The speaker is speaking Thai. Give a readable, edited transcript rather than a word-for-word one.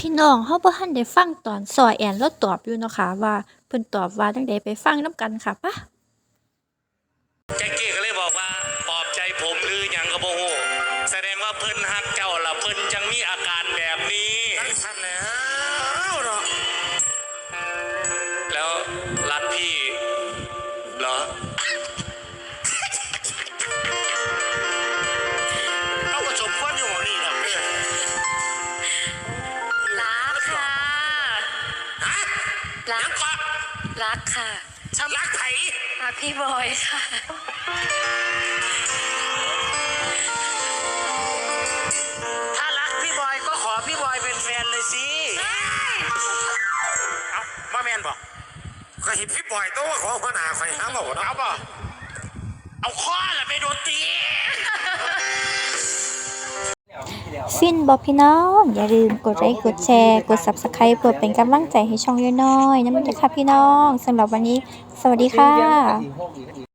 พี่น้องเราบ่ทันได้ฟังตอนซ้อแอนเลาตอบอยู่เนาะค่ะว่าเพิ่นตอบว่าจั่งใดไปฟังนำกันค่ะปะแจ็คกี้ก็เลยบอกว่าปลอบใจผมหรือหยังก็บ่ฮู้แสดงว่าเพิ่นฮักเจ้าล่ะเพิ่นจังมีอาการแบบนี้นั่นสั่นแล้วเนาะแล้วรักพี่เหรอเอาผสมควรอยู่หมอนี่เนาะรักค่ะฮะรักรักค่ะฉันรักไผรักพี่บอยค่ะถ้ารักพี่บอยก็ขอพี่บอยเป็นแฟนเลยสิเอามาแมนบอกก็เห็นพี่บอยต้องว่าขอหัวหน้าไฟห้ามบอกนะเอาป่ะเอาข้อละไปโดนตีฟินบ่พี่น้องอย่าลืมกดไลค์กดแชร์กด Subscribe เพื่อเป็นกำลังใจให้ช่องน้อยๆนำเด้อค่ะพี่น้องสำหรับวันนี้สวัสดีค่ะ